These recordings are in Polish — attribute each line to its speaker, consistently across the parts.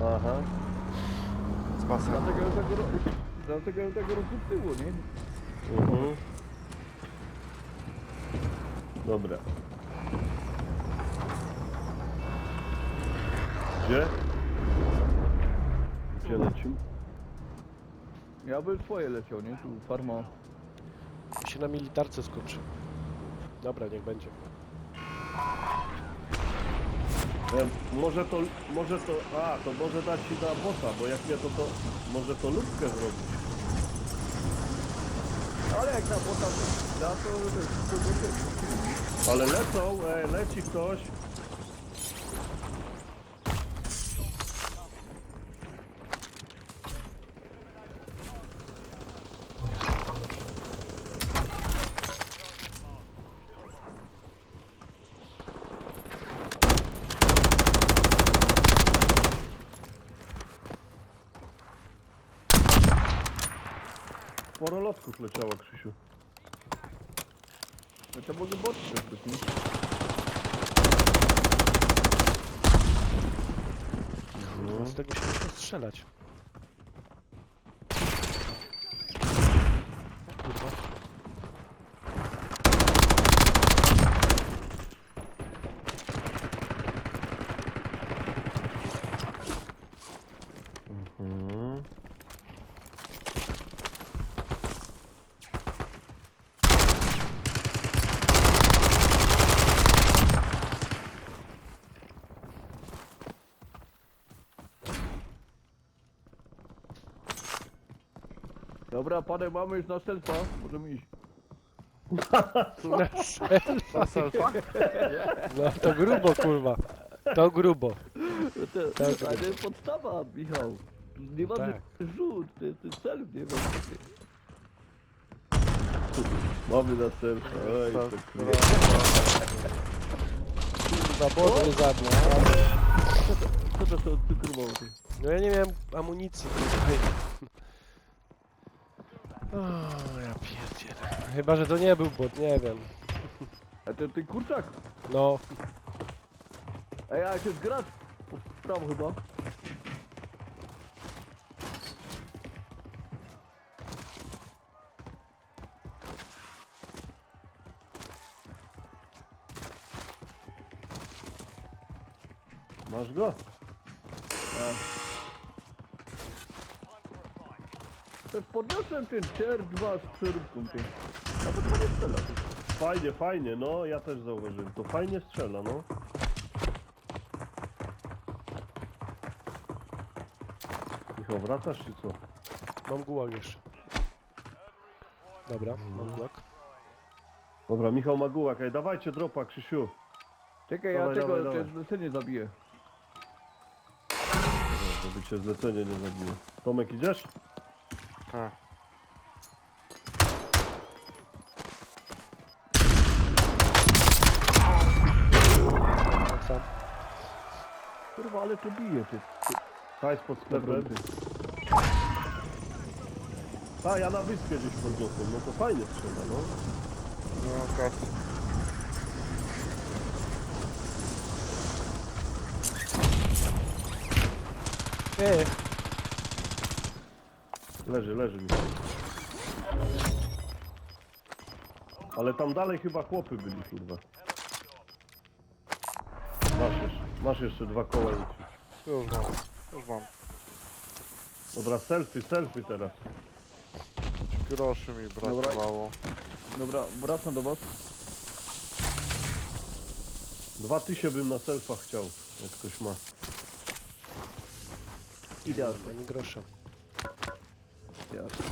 Speaker 1: Aha.
Speaker 2: Z basem.
Speaker 3: Dlatego ja tego rozsypyło, nie?
Speaker 1: Mhm. Dobra. Gdzie? Gdzie lecimy?
Speaker 3: Ja bym swoje leciał, nie? Tu farma.
Speaker 4: Mi się na militarce skończy. Dobra, niech będzie.
Speaker 1: Może to, to może dać ci na bossa, bo jak nie to może to lubkę zrobić.
Speaker 3: Ale jak na bota da, to będzie.
Speaker 1: Ale lecą, leci ktoś. Sporo lotków leciało, Krzysiu.
Speaker 3: No to może bot też być, nie?
Speaker 4: Z tego się muszę strzelać. O kurwa.
Speaker 1: Mhm.
Speaker 3: Dobra, panek mamy już na selfa. Możemy iść.
Speaker 4: Na selfa? No to grubo, kurwa. To grubo.
Speaker 3: A to jest podstawa, Michał. Nie ma
Speaker 4: Tak.
Speaker 3: rzut, to jest self, nie wiem.
Speaker 1: Mamy na selfie. Oj, to kurwa.
Speaker 4: Kurwa, bot mnie zabił.
Speaker 3: Co to są cukrowały?
Speaker 4: No ja nie miałem amunicji. Kurwa. O, ja pierdzielę. Chyba, że to nie był bot, nie wiem.
Speaker 3: A to ten kurczak?
Speaker 4: No,
Speaker 3: A ja się zgrać. W prawo chyba.
Speaker 1: Masz go?
Speaker 3: To podniosłem ten CR2 z przeróbką tej. A to nie strzela.
Speaker 1: Fajnie, fajnie, no ja też zauważyłem. To fajnie strzela, no. Michał, wracasz czy co?
Speaker 4: mam gułag jeszcze. Dobra, mam gułag.
Speaker 1: Dobra, Michał ma gułak. Ej, dawajcie dropa, Krzysiu.
Speaker 3: Czekaj,
Speaker 1: Dawaj,
Speaker 3: ja
Speaker 1: dawaj,
Speaker 3: tego
Speaker 1: dawaj.
Speaker 3: te zlecenie zabiję.
Speaker 1: Żeby cię zlecenie nie zabiło. Tomek, idziesz?
Speaker 2: Tak.
Speaker 4: Tak sam.
Speaker 3: Kurwa, ale to bije ty.
Speaker 1: Hajs pod sklepem. A, ja na wyspie gdzieś podniosłem. No to fajnie strzela, no.
Speaker 2: No tak.
Speaker 4: Ej,
Speaker 1: Leży mi. Ale tam dalej chyba chłopy byli, kurwa. Masz jeszcze 2 koła.
Speaker 2: Już mam. Już mam.
Speaker 1: Dobra, selfie teraz.
Speaker 2: Groszy mi brakowało.
Speaker 3: Dobra, wracam do was.
Speaker 1: 2000 bym na selfach chciał, jak ktoś ma.
Speaker 3: Idealnie.
Speaker 4: ani grosza.
Speaker 3: Jasne.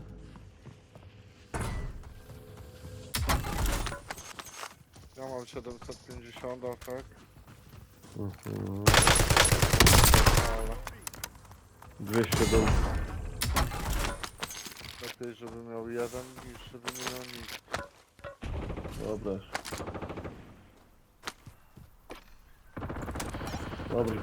Speaker 2: Ja mam 750, a tak?
Speaker 1: Mhm.
Speaker 2: Ale
Speaker 1: 200 do...
Speaker 2: lepiej, żeby miał jeden niż żeby nie miał nic.
Speaker 1: Dobra. Dobry.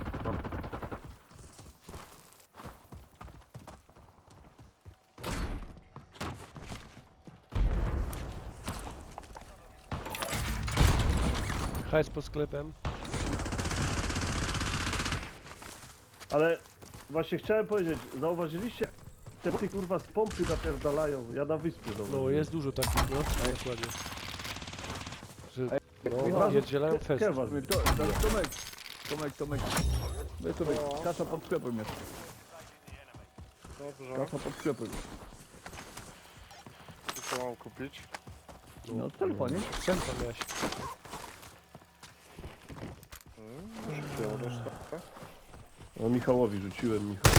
Speaker 4: Hajs pod sklepem.
Speaker 1: Ale właśnie chciałem powiedzieć, zauważyliście? Te kurwa z pompy napierdalają, ja na wyspie
Speaker 4: No
Speaker 1: zauważyłem.
Speaker 4: jest dużo takich, no. Dokładnie. Że, no,
Speaker 1: Michał,
Speaker 4: pierdzielają fest.
Speaker 1: Kewa,
Speaker 3: Tomek. Weź sobie,
Speaker 2: No.
Speaker 3: kasa pod sklepem jest.
Speaker 2: Dobrze.
Speaker 3: Kasa pod sklepem.
Speaker 2: I co mam kupić?
Speaker 3: No, telefonie.
Speaker 4: Centra miałeś.
Speaker 2: Rzuciłem resztę.
Speaker 1: No Michałowi rzuciłem, Michał.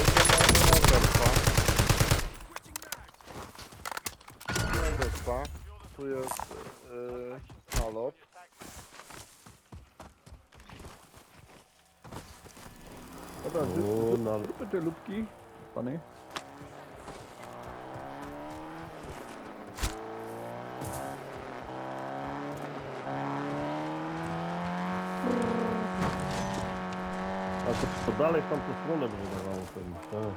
Speaker 2: Wyspa. Tu jest nalot.
Speaker 3: Dobra,
Speaker 1: O,
Speaker 3: zróbmy te lubki, pany.
Speaker 1: A to dalej w tamtą stronę by wydawało pewnie. Tak.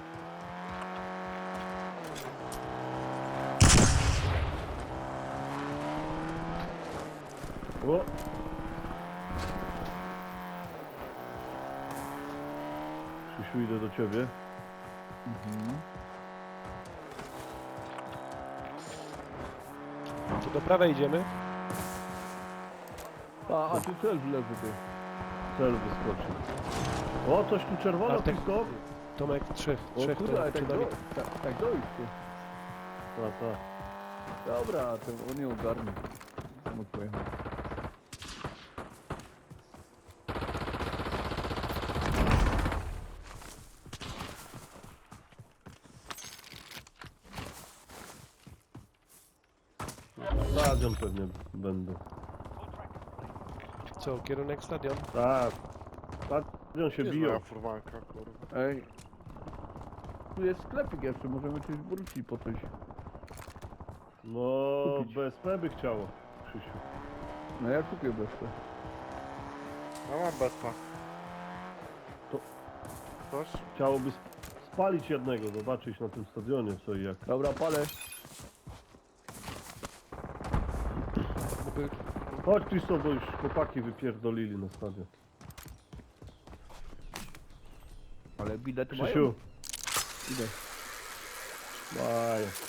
Speaker 1: O! Krzysiu, idę do ciebie.
Speaker 4: To do prawej idziemy.
Speaker 3: A tu cel leży ty.
Speaker 1: Cel wyskoczył. O, coś tu czerwono,
Speaker 4: Bartek.
Speaker 1: tylko.
Speaker 4: Tomek, trzech
Speaker 3: O kurde, ale
Speaker 4: to
Speaker 3: tak,
Speaker 4: przed nami.
Speaker 3: tak dojść ty.
Speaker 1: A, tak.
Speaker 3: Dobra, to on nie ogarnie. Mógł pojechać.
Speaker 1: Stadion pewnie będą.
Speaker 4: Co, kierunek stadion?
Speaker 1: Tak. Stadion się
Speaker 2: Jest
Speaker 1: biją.
Speaker 2: moja furmanka, kurwa.
Speaker 3: Ej. Tu jest sklepik jeszcze, możemy coś wrócić po coś.
Speaker 1: No,
Speaker 3: Kupić.
Speaker 1: BSP by chciało, Krzysiu.
Speaker 3: No ja kupię bezpę.
Speaker 2: Ja mam betpa.
Speaker 1: To-
Speaker 2: Coś?
Speaker 1: Chciałoby spalić jednego, zobaczyć na tym stadionie co i jak.
Speaker 3: Dobra, palę.
Speaker 1: Chodź Krzysztof, bo już chłopaki wypierdolili na stadion.
Speaker 3: Ale bilet mają.
Speaker 1: Krzysiu,
Speaker 3: Idę.
Speaker 1: mają.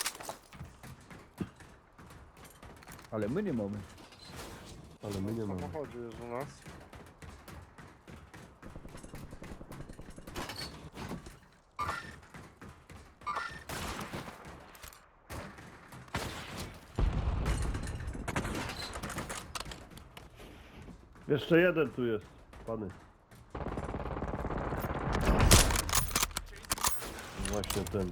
Speaker 3: Ale my nie mamy.
Speaker 1: Ale my nie
Speaker 2: W
Speaker 1: mamy.
Speaker 2: samochodzie jest u nas.
Speaker 1: Jeszcze jeden tu jest, pany. Właśnie ten.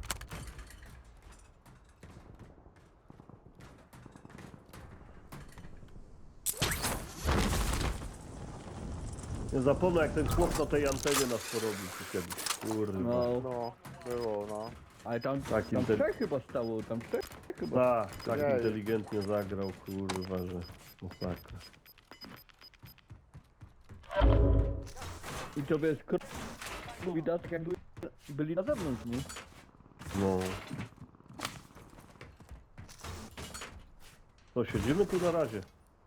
Speaker 1: Nie zapomnę jak ten chłop na tej antenie nas porobił tu kiedyś. Kurwa.
Speaker 3: No.
Speaker 2: No, było, no.
Speaker 3: Ale tam
Speaker 1: Taki ten-
Speaker 3: trzech chyba stało, tam trzech chyba.
Speaker 1: Tak
Speaker 2: Jej.
Speaker 1: inteligentnie zagrał, kurwa, że masakra.
Speaker 3: I to wiesz, widać jakby byli na zewnątrz, nie?
Speaker 1: No. To siedzimy tu na razie.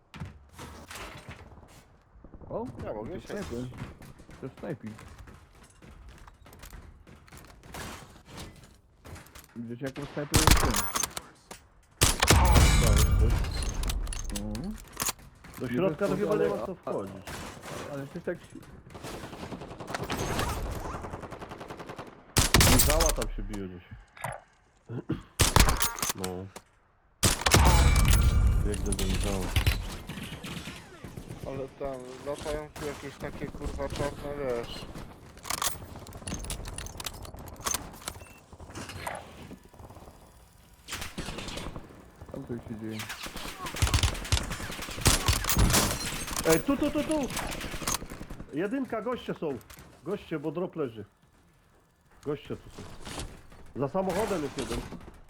Speaker 3: O,
Speaker 2: Ja mogę
Speaker 3: to
Speaker 2: się.
Speaker 3: snajper. To jest snajping. Widzisz jaką snajper jest ten? No.
Speaker 1: Do środka to
Speaker 3: Nie
Speaker 1: chyba nie
Speaker 3: ale-
Speaker 1: ma co wchodzić.
Speaker 3: Ale ty tak...
Speaker 1: Michała tam się bije gdzieś. No. Biegnę do Michała.
Speaker 2: Ale tam latają tu jakieś takie kurwa czarne, wiesz.
Speaker 3: Tam coś się dzieje.
Speaker 1: Ej, tu! Jedynka, goście są. Goście, bo drop leży. Goście tu są. Za samochodem jest jeden.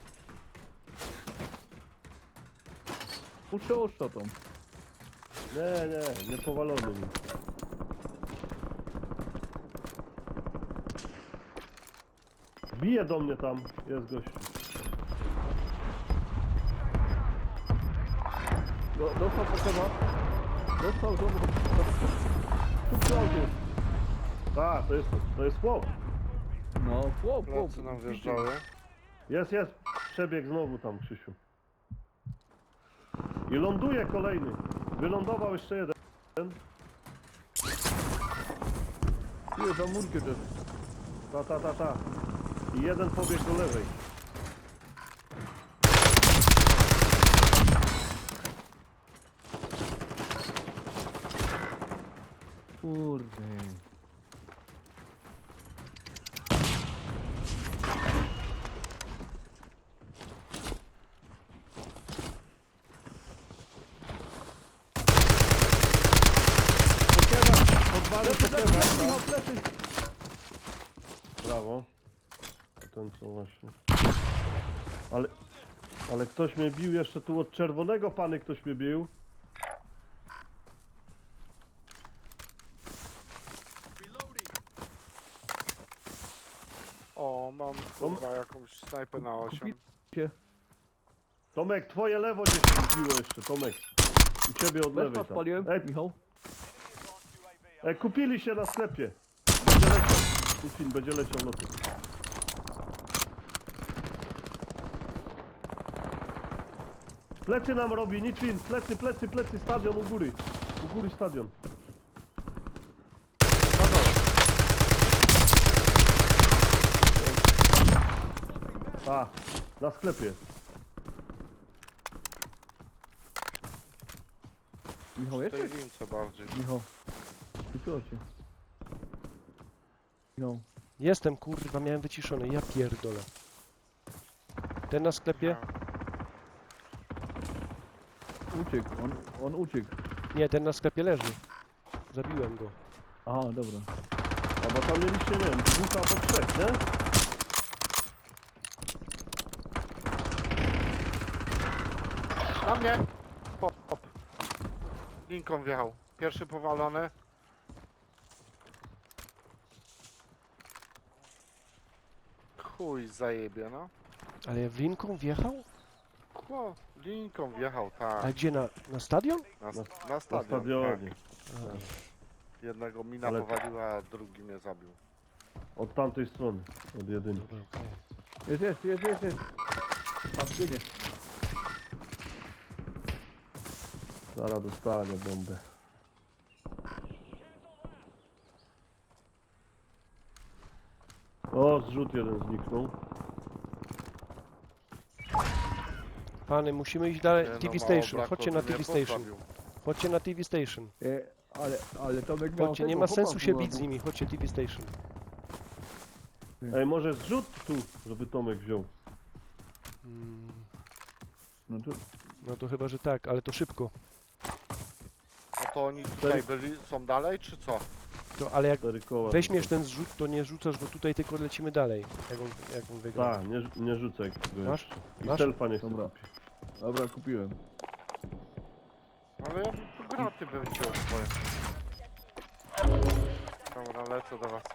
Speaker 3: Puszczę oszczotą.
Speaker 1: Nie powalony mi. Bije do mnie tam, jest gościu.
Speaker 3: Dostał potrzeba. Dostał do... Tu auto.
Speaker 1: Tak, to jest chłop.
Speaker 3: No, chłop.
Speaker 2: Plecy nam wjeżdżały.
Speaker 1: Jest. Przebieg znowu tam, Krzysiu. I ląduje kolejny. Wylądował jeszcze jeden.
Speaker 3: Ile za murkę też.
Speaker 1: Ta. I jeden pobiegł do lewej.
Speaker 3: Kurde.
Speaker 1: Podwalę plecy. Brawo. Ten co właśnie. Ale ktoś mnie bił jeszcze tu od czerwonego, pany ktoś mnie bił.
Speaker 2: O, mam kurwa jakąś snajpę na 8.
Speaker 1: Tomek, twoje lewo gdzieś się biło jeszcze, Tomek. U ciebie od lewej
Speaker 3: Wespa
Speaker 1: tam.
Speaker 3: spaliłem, Michał.
Speaker 1: Kupili się na sklepie. Będzie leciał. Putin będzie leciał loty. Plecy nam robi, Niczyn. Plecy, stadion u góry. U góry stadion. A, na sklepie.
Speaker 3: Michał,
Speaker 2: W tej
Speaker 3: jesteś?
Speaker 2: lince bardziej.
Speaker 3: Michał. Wyciął cię. Michał.
Speaker 4: Jestem, kurwa, miałem wyciszony, ja pierdolę. Ten na sklepie?
Speaker 3: Uciekł, on uciekł.
Speaker 4: Nie, ten na sklepie leży. Zabiłem go.
Speaker 3: Aha, dobra.
Speaker 1: A bo tam mieliście, nie wiem, dwóch albo trzech, nie?
Speaker 2: Na mnie! Pop. Linką wjechał. Pierwszy powalony. Chuj zajebie, no.
Speaker 4: Ale w linką wjechał?
Speaker 2: Kło, linką wjechał, tak.
Speaker 4: A gdzie, na stadion?
Speaker 2: Na
Speaker 1: Na
Speaker 2: stadion.
Speaker 1: stadionie.
Speaker 2: Tak. Jednego mina
Speaker 1: Ale-
Speaker 2: powaliła, a drugi mnie zabił.
Speaker 1: Od tamtej strony, od jedynki.
Speaker 4: Dobra, okej.
Speaker 3: Jest. Tam biegnie.
Speaker 1: Zaraz dostanie bombę. O, zrzut jeden zniknął.
Speaker 4: Pany, musimy iść dalej.
Speaker 2: Nie, no,
Speaker 4: TV
Speaker 2: mało
Speaker 4: Station,
Speaker 2: brakło,
Speaker 4: chodźcie na
Speaker 2: by mnie
Speaker 4: TV Station.
Speaker 2: postawił.
Speaker 4: Chodźcie na TV Station.
Speaker 3: Ale Tomek miał
Speaker 4: Chodźcie, nie
Speaker 3: tego
Speaker 4: ma
Speaker 3: chłopa
Speaker 4: sensu się
Speaker 3: była,
Speaker 4: bić z nimi, chodźcie TV Station.
Speaker 1: Ej, może zrzut tu, żeby Tomek wziął.
Speaker 3: No to
Speaker 4: No to chyba, że tak, ale to szybko.
Speaker 2: A to oni tutaj byli, są dalej, czy co?
Speaker 4: To, ale jak
Speaker 1: 4 koła.
Speaker 4: weźmiesz ten zrzut, to nie rzucasz go tutaj, tylko lecimy dalej. Jak on wygra.
Speaker 1: Tak, nie rzucaj.
Speaker 4: Masz?
Speaker 1: I
Speaker 4: Masz?
Speaker 1: selfa nie chcę
Speaker 3: Dobra.
Speaker 1: kupić.
Speaker 3: Dobra, kupiłem.
Speaker 2: Ale ja bym tu graty bym wziął swoje. Dobra, lecę do was.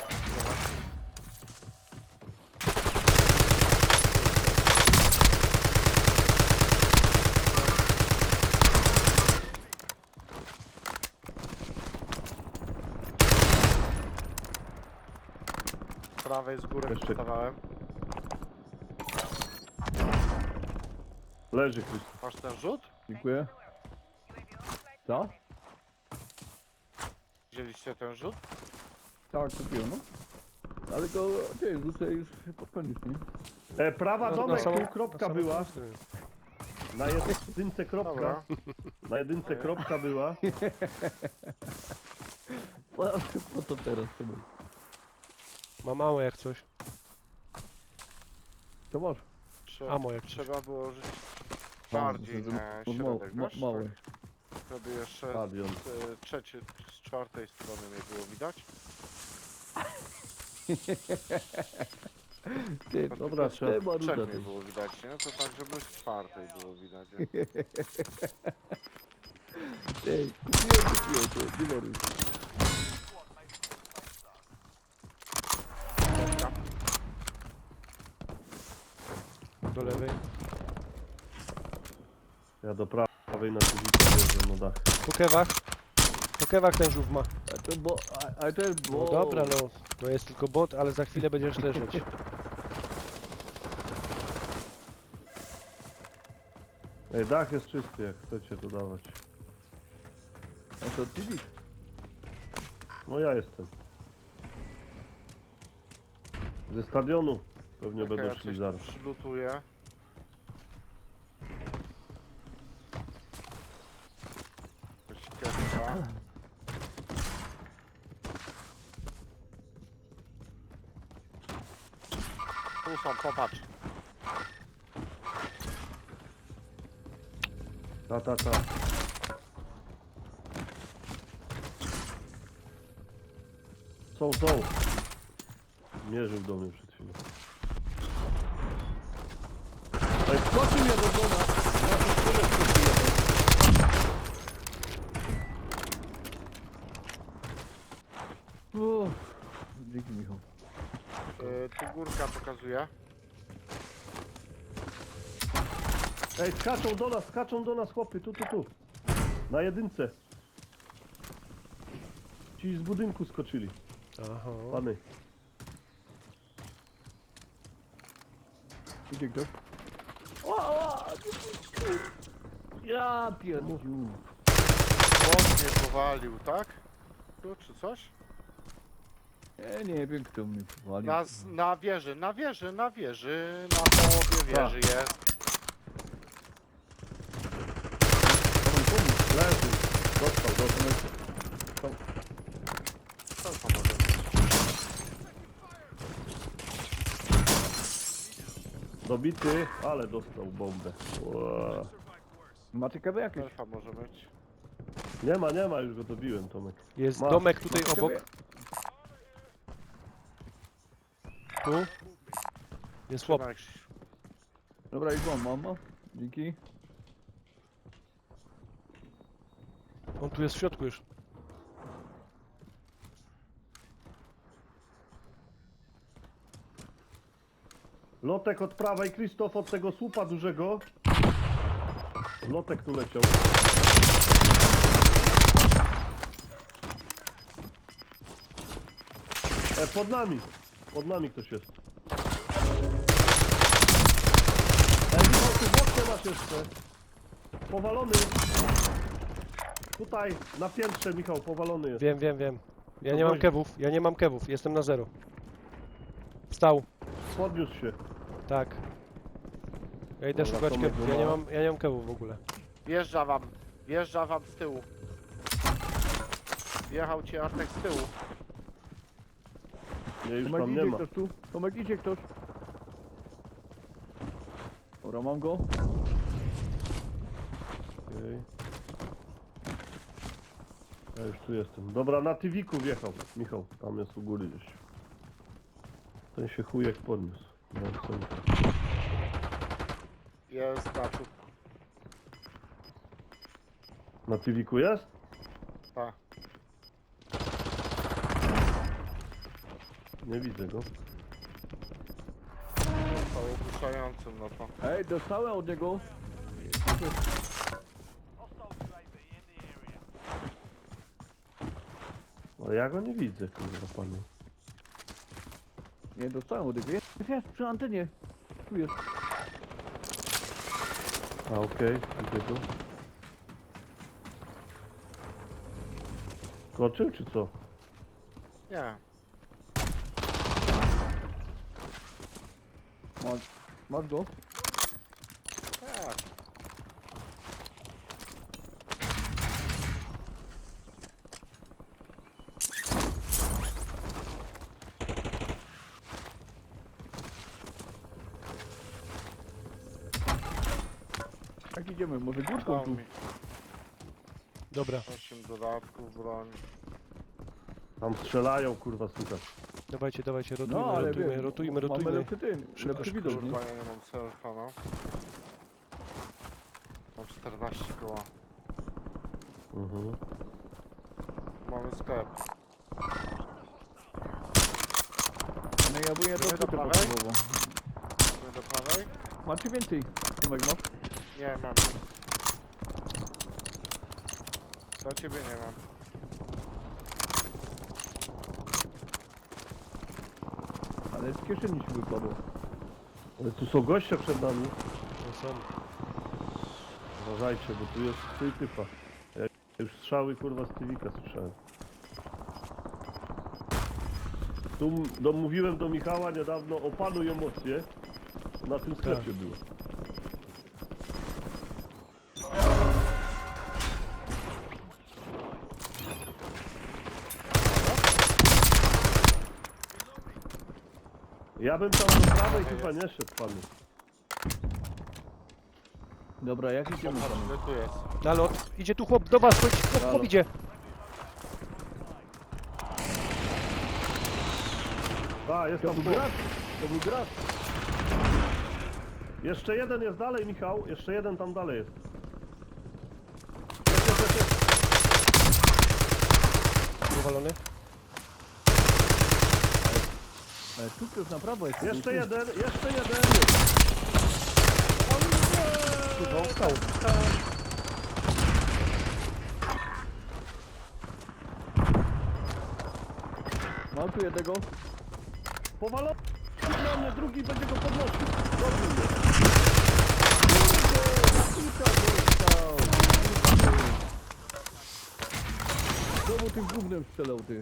Speaker 2: Z prawej z góry
Speaker 1: Jeszcze-
Speaker 2: postawałem.
Speaker 1: Leży, Krzysztof.
Speaker 2: Masz ten rzut?
Speaker 3: Dziękuję. Co?
Speaker 2: Wzięliście ten rzut?
Speaker 3: Tak, kupiłem, no. Ale go, ty, rzucę już pod koniec, nie?
Speaker 1: Prawa
Speaker 4: No,
Speaker 1: Tomek,
Speaker 4: samą-
Speaker 1: tu kropka
Speaker 4: samą
Speaker 1: była.
Speaker 4: stronę.
Speaker 1: Na jedynce kropka.
Speaker 2: Dobra.
Speaker 1: Na jedynce kropka była.
Speaker 3: Po co teraz, Tomek?
Speaker 4: Ma mało jak coś.
Speaker 3: To masz.
Speaker 4: Amo jak coś.
Speaker 2: Trzeba było żyć bardziej na środek, wiesz?
Speaker 3: Małe.
Speaker 2: Tak, żeby jeszcze
Speaker 1: Stadion.
Speaker 2: z czwartej strony nie było widać.
Speaker 3: Ty,
Speaker 1: Dobra, trzeba.
Speaker 3: trzeba
Speaker 2: Trzech
Speaker 3: ruda,
Speaker 2: nie
Speaker 3: ty.
Speaker 2: było widać, nie? To tak, żeby z czwartej było widać. Nie?
Speaker 3: Ty, kupiłem, ty, nie maruj.
Speaker 4: Do lewej.
Speaker 1: Ja do prawej na Kuzika wjeżdżam na dach.
Speaker 4: Po kewach. Po kewach ten żółw ma.
Speaker 3: Ale to jest, bo...
Speaker 4: No dobra, no. To jest tylko bot, ale za chwilę będziesz leżeć.
Speaker 1: Ej, dach jest czysty, jak chcecie to dawać.
Speaker 3: A to ty widzisz?
Speaker 1: No ja jestem. Ze stadionu pewnie
Speaker 2: Czekaj,
Speaker 1: będą
Speaker 2: ja
Speaker 1: szli
Speaker 2: coś
Speaker 1: zaraz.
Speaker 2: przylutuję. Ścieżka. Tu są, popatrz.
Speaker 1: Ta. Są. Mierzył do mnie przed chwilą. Ej, skoczył mnie do doma! Ja to tyle skoczyłem.
Speaker 3: Uff, dzięki Michał.
Speaker 2: Tu górka pokazuje.
Speaker 1: Ej, skaczą do nas chłopy, tu. Na jedynce. Ci z budynku skoczyli,
Speaker 4: Aha.
Speaker 1: pany.
Speaker 3: Idzie ktoś? Ja pierdziu.
Speaker 2: Bot mnie powalił, tak? Tu czy coś?
Speaker 3: Nie wiem kto mnie powalił.
Speaker 2: Na wieży, na połowie wieży jest.
Speaker 1: Leży. Dostał.
Speaker 2: Co to może być?
Speaker 1: Dobity, ale dostał bombę. Ła.
Speaker 3: Macie kawy jakieś?
Speaker 2: Elfa może być.
Speaker 1: Nie ma, już go dobiłem, Tomek.
Speaker 4: Jest
Speaker 1: Masz.
Speaker 4: domek tutaj
Speaker 3: Macie
Speaker 4: obok.
Speaker 3: kawy?
Speaker 4: Tu. Jest chłop.
Speaker 2: Trzymaj się.
Speaker 3: Dobra, już mam, mama. Dzięki.
Speaker 4: On tu jest w środku już.
Speaker 1: Lotek od prawej, Krzysztof od tego słupa dużego. Lotek tu leciał. Pod nami ktoś jest. Michał, tu wodkę masz jeszcze. Powalony. Tutaj, na piętrze, Michał, powalony jest.
Speaker 4: Wiem. Ja
Speaker 1: To
Speaker 4: nie mam
Speaker 1: wozi.
Speaker 4: kewów, jestem na 0. Wstał.
Speaker 1: Podniósł się.
Speaker 4: Tak. Ja idę
Speaker 1: Dobra,
Speaker 4: szukać
Speaker 1: Tomek
Speaker 4: kewów,
Speaker 1: go
Speaker 4: ja
Speaker 1: ma.
Speaker 4: nie mam kewów w ogóle.
Speaker 2: Wjeżdża wam z tyłu. Wjechał ci Artek z tyłu.
Speaker 1: Nie, już
Speaker 3: Tomek
Speaker 1: tam nie
Speaker 3: idzie
Speaker 1: ma.
Speaker 3: ktoś tu? Tomek idzie ktoś? Dobra, mam go.
Speaker 1: Okej. Ja już tu jestem. Dobra, na Tywiku wjechał. Michał, tam jest u góry gdzieś. Ten się chujek podniósł. No, co?
Speaker 2: Jest na tu.
Speaker 1: Na Tywiku jest?
Speaker 2: Tak.
Speaker 1: Nie widzę go.
Speaker 2: To ogłuszającym, no to.
Speaker 3: Ej, dostałem od niego.
Speaker 1: Ale ja go nie widzę, kurwa, panie.
Speaker 3: Nie, dostałem od niego. Jest przy antenie. Tu jest.
Speaker 1: A, okej, widzę go. Skoczył, czy co?
Speaker 2: Nie.
Speaker 3: Masz go?
Speaker 2: Tak.
Speaker 3: Jak idziemy? Może górką
Speaker 2: Dał
Speaker 3: tu?
Speaker 2: mi
Speaker 4: Dobra,
Speaker 2: 8 dodatków broń.
Speaker 1: Tam strzelają, kurwa, słychać.
Speaker 4: dawajcie, rotujmy,
Speaker 3: No, ale wiem,
Speaker 4: rotujmy.
Speaker 3: Mamy lepszy tym,
Speaker 4: Szybko,
Speaker 3: lepszy
Speaker 4: szybko,
Speaker 3: widok, nie?
Speaker 2: Kurwa, ja nie mam selfa, no. Mam 14 koła.
Speaker 1: Mhm.
Speaker 2: Mamy sklep.
Speaker 3: No ja bym jedną
Speaker 2: Idziemy do
Speaker 3: płytę
Speaker 2: prawej?
Speaker 3: potrzebował.
Speaker 2: Idziemy do prawej?
Speaker 3: Macie więcej? Tomek masz?
Speaker 2: Nie mam. Do ciebie nie mam.
Speaker 3: Ale z kieszeni się wypadło.
Speaker 1: Ale tu są goście przed nami.
Speaker 4: No są.
Speaker 1: Uważajcie, bo tu jest twój typa. Ja już strzały kurwa z Tywika słyszałem. Mówiłem do Michała niedawno, opanuj emocje. Na tym sklepie było. Ja bym tam do prawej chyba nie szedł panu.
Speaker 3: Dobra, jak idziemy tam?
Speaker 2: Ile tu jest?
Speaker 4: Nalot. Idzie tu chłop do was, chodź, chłop idzie.
Speaker 1: A, jest
Speaker 3: To
Speaker 1: tam
Speaker 3: był
Speaker 1: chłop.
Speaker 3: gracz! To był gracz!
Speaker 1: Jeszcze jeden jest dalej, Michał. Jeszcze jeden tam dalej jest.
Speaker 4: Powalony.
Speaker 3: Ale tu też na prawo jest.
Speaker 1: Jeszcze jeden, jeszcze jeden.
Speaker 4: Kurwa, on stał.
Speaker 3: Mam tu jednego.
Speaker 1: Powalony na mnie, drugi będzie go podnosił. Dobrze mnie.
Speaker 3: Znowu tym gównem strzelał, ty.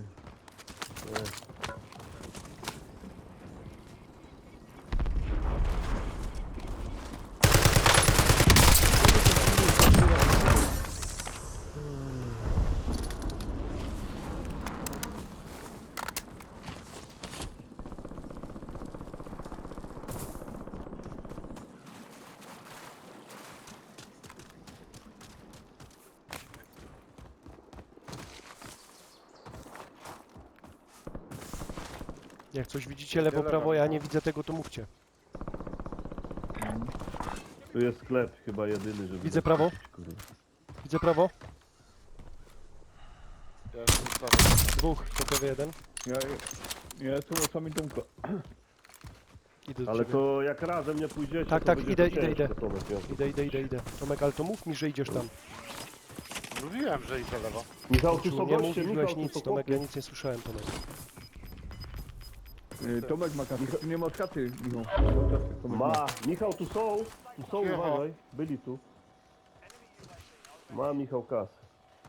Speaker 4: Jak coś widzicie lewo, prawo, ja nie widzę tego, to mówcie.
Speaker 1: Tu jest sklep chyba jedyny, żeby...
Speaker 4: Widzę prawo.
Speaker 1: Kurwa.
Speaker 4: Widzę prawo.
Speaker 2: Ja jestem prawy.
Speaker 4: Dwóch, gotowy jeden.
Speaker 3: Ja jestem oczami Tomka.
Speaker 4: Idę do
Speaker 1: Ale
Speaker 4: ciebie.
Speaker 1: to jak razem nie pójdziecie,
Speaker 4: Tak,
Speaker 1: to
Speaker 4: tak,
Speaker 1: będzie
Speaker 4: idę,
Speaker 1: to
Speaker 4: idę,
Speaker 1: ciężko,
Speaker 4: idę.
Speaker 1: Tomek, ja-
Speaker 4: Idę. Tomek, ale to mów mi, że idziesz tam.
Speaker 2: Mówiłem, że idę lewo.
Speaker 1: Michał, tu są
Speaker 4: Nie
Speaker 1: goście, Michał,
Speaker 4: mówiłeś
Speaker 1: tu
Speaker 4: nic,
Speaker 1: są
Speaker 4: Tomek,
Speaker 1: chłopy.
Speaker 4: ja nic nie słyszałem, Tomek.
Speaker 3: Tomek ma kasę. Tu nie masz kasy, Michał. Nie masz kasy, Tomek
Speaker 1: Ma, Michał, tu są,
Speaker 2: Cicho.
Speaker 1: uważaj, byli tu. Ma Michał kasę.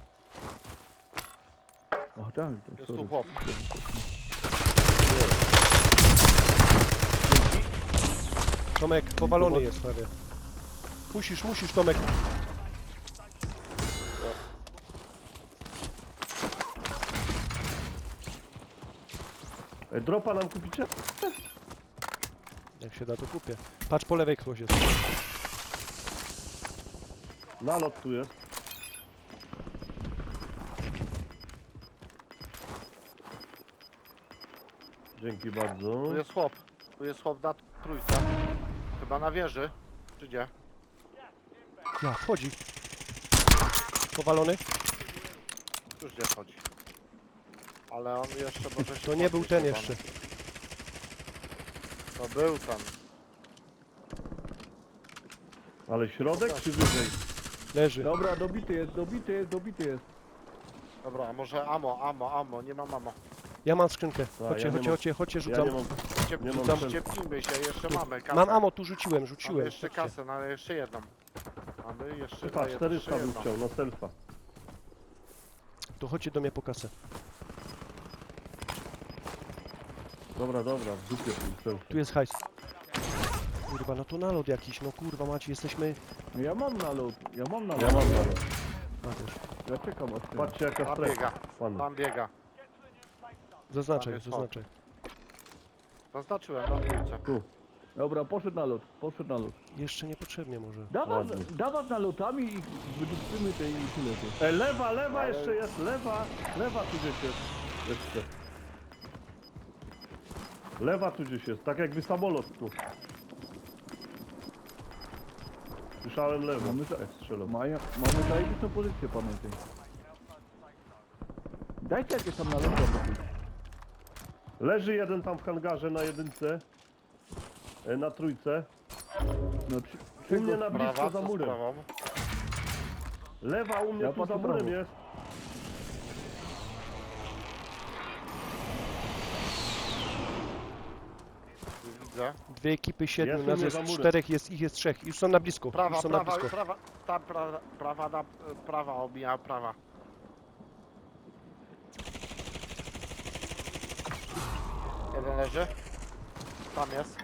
Speaker 3: Ach tak, to
Speaker 2: Jest
Speaker 3: sorry.
Speaker 2: tu chłop.
Speaker 4: Tomek, powalony jest prawie. Musisz, Tomek.
Speaker 1: Dropa nam kupicie?
Speaker 4: Jak się da, to kupię. Patrz, po lewej ktoś jest.
Speaker 1: Nalot tu jest. Dzięki bardzo.
Speaker 2: Tu jest chłop. Tu jest chłop na trójce. Chyba na wieży. Czy gdzie?
Speaker 4: Ja, wchodzi. Powalony?
Speaker 2: Już gdzie wchodzi. Ale on jeszcze może się
Speaker 4: To nie był
Speaker 2: podnieść
Speaker 4: ten
Speaker 2: chyba.
Speaker 4: jeszcze.
Speaker 2: To był ten.
Speaker 1: Ale środek czy wyżej?
Speaker 4: Leży.
Speaker 3: Dobra, dobity jest.
Speaker 2: Dobra, a może ammo. Nie mam ammo.
Speaker 4: Ja mam skrzynkę.
Speaker 1: ja
Speaker 4: Chodźcie,
Speaker 1: nie mam-
Speaker 4: chodźcie,
Speaker 1: Ja
Speaker 4: rzucam.
Speaker 1: nie mam... Nie mam
Speaker 2: Rzucam,
Speaker 1: sensu.
Speaker 2: ciepnijmy się, jeszcze mamy kasę.
Speaker 4: Mam ammo, tu rzuciłem.
Speaker 2: Mamy jeszcze
Speaker 4: Chodźcie.
Speaker 2: kasę, no jeszcze jedną. Mamy jeszcze
Speaker 1: Chyba
Speaker 2: daję
Speaker 1: 400 bym
Speaker 2: jedną.
Speaker 1: chciał, na selfa.
Speaker 4: To chodźcie do mnie po kasę.
Speaker 1: Dobra, w dupie tym selfie.
Speaker 4: Tu jest hajs. Kurwa, no to nalot jakiś, no kurwa macie, jesteśmy...
Speaker 3: Ja mam nalot.
Speaker 1: Ja mam nalot.
Speaker 4: A, też.
Speaker 3: Ja czekam aż ten.
Speaker 1: Patrzcie jaka
Speaker 2: Tam
Speaker 1: strefa.
Speaker 2: biega,
Speaker 1: Panu.
Speaker 2: tam biega.
Speaker 4: Zaznaczaj,
Speaker 2: jest
Speaker 4: zaznaczaj.
Speaker 2: Zaznaczyłem na trójce.
Speaker 1: Tu.
Speaker 3: Dobra, poszedł nalot.
Speaker 4: Jeszcze niepotrzebnie może.
Speaker 3: Dawać
Speaker 1: Ładnie.
Speaker 3: nalotami i wydupcymy tej i tyle. Ty.
Speaker 1: Lewa jeszcze jest, lewa tu gdzieś jest. Jeszcze. Lewa tu gdzieś jest, tak jakby samolot tu. Słyszałem lewo,
Speaker 3: Mamy za-
Speaker 1: jak strzelał.
Speaker 3: Mamy zajebistą pozycję, pamiętaj. Dajcie jakieś tam naloty.
Speaker 1: Leży jeden tam w hangarze na jedynce. Na trójce.
Speaker 3: No,
Speaker 1: U mnie na blisko
Speaker 2: Prawa,
Speaker 1: za
Speaker 2: co z
Speaker 1: murem.
Speaker 2: prawą?
Speaker 1: Lewa u mnie
Speaker 3: Ja
Speaker 1: tu za
Speaker 3: patrzę
Speaker 1: murem
Speaker 3: prawo.
Speaker 1: jest.
Speaker 2: widzę.
Speaker 4: Dwie ekipy, 7,
Speaker 1: Ja
Speaker 4: nas
Speaker 1: tu
Speaker 4: jest
Speaker 1: nie za murem.
Speaker 4: 4, ich jest 3. Już są na blisko.
Speaker 2: Prawa,
Speaker 4: Już są na
Speaker 2: prawa,
Speaker 4: blisko.
Speaker 2: prawa, ta prawa, prawa, obija prawa. Jeden leży. Tam jest.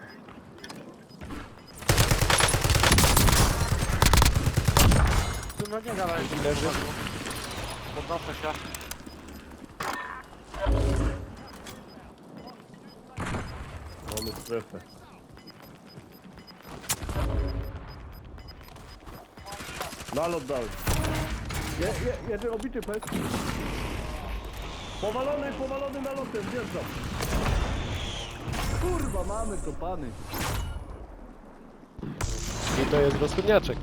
Speaker 2: Tu no nie gadaj, że
Speaker 4: Leży.
Speaker 2: podnoszę się.
Speaker 1: Mamy strefę. Nalot dał.
Speaker 3: Jeden obity pes.
Speaker 1: Powalony nalotem, wjeżdżam.
Speaker 3: Kurwa, mamy to pany.
Speaker 4: I to jest rozchodniaczek.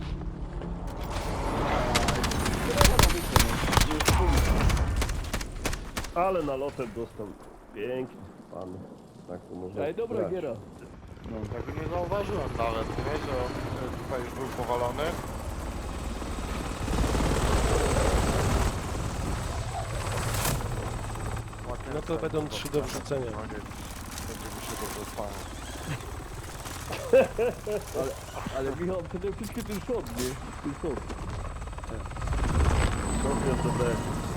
Speaker 1: Ale nalotem dostał. Pięknie, pan. Tak to można
Speaker 3: Ej, dobra
Speaker 1: grać.
Speaker 3: giera.
Speaker 2: Tego nie zauważyłem nawet, nie? Że tutaj już był powalony.
Speaker 4: No to będą 3 do wrzucenia.
Speaker 2: Będzie mi się dobrze spało.
Speaker 3: Ale Michał, przede wszystkim ten shot, nie? Ten shot.
Speaker 1: Dobrze, to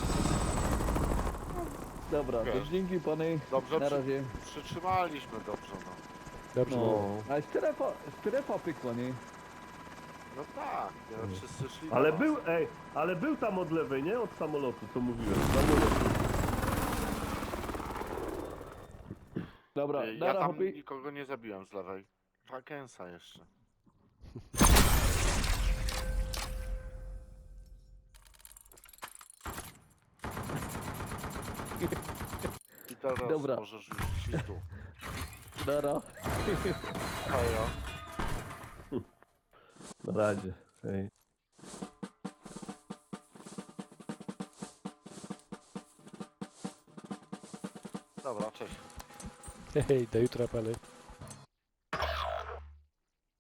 Speaker 3: Dobra,
Speaker 2: Wiesz.
Speaker 3: to dzięki pany.
Speaker 2: Dobrze
Speaker 3: Na razie.
Speaker 2: przytrzymaliśmy dobrze, no.
Speaker 4: Dobrze.
Speaker 3: No. A strefa pykła, nie?
Speaker 2: No tak, wszyscy szli
Speaker 1: Ale
Speaker 2: na
Speaker 1: był,
Speaker 2: nas.
Speaker 1: ale był tam od lewej, nie? Od samolotu, co mówiłem. Samolot.
Speaker 3: Dobra,
Speaker 2: Ja
Speaker 3: nara,
Speaker 2: tam
Speaker 3: hopy.
Speaker 2: nikogo nie zabiłem z lewej. Wakensa jeszcze. I teraz
Speaker 3: Dobra.
Speaker 2: możesz już iść tu.
Speaker 3: Nara.
Speaker 2: Hejo.
Speaker 1: Na razie. Hej.
Speaker 2: Dobra, cześć.
Speaker 4: Hej, do jutra, pany.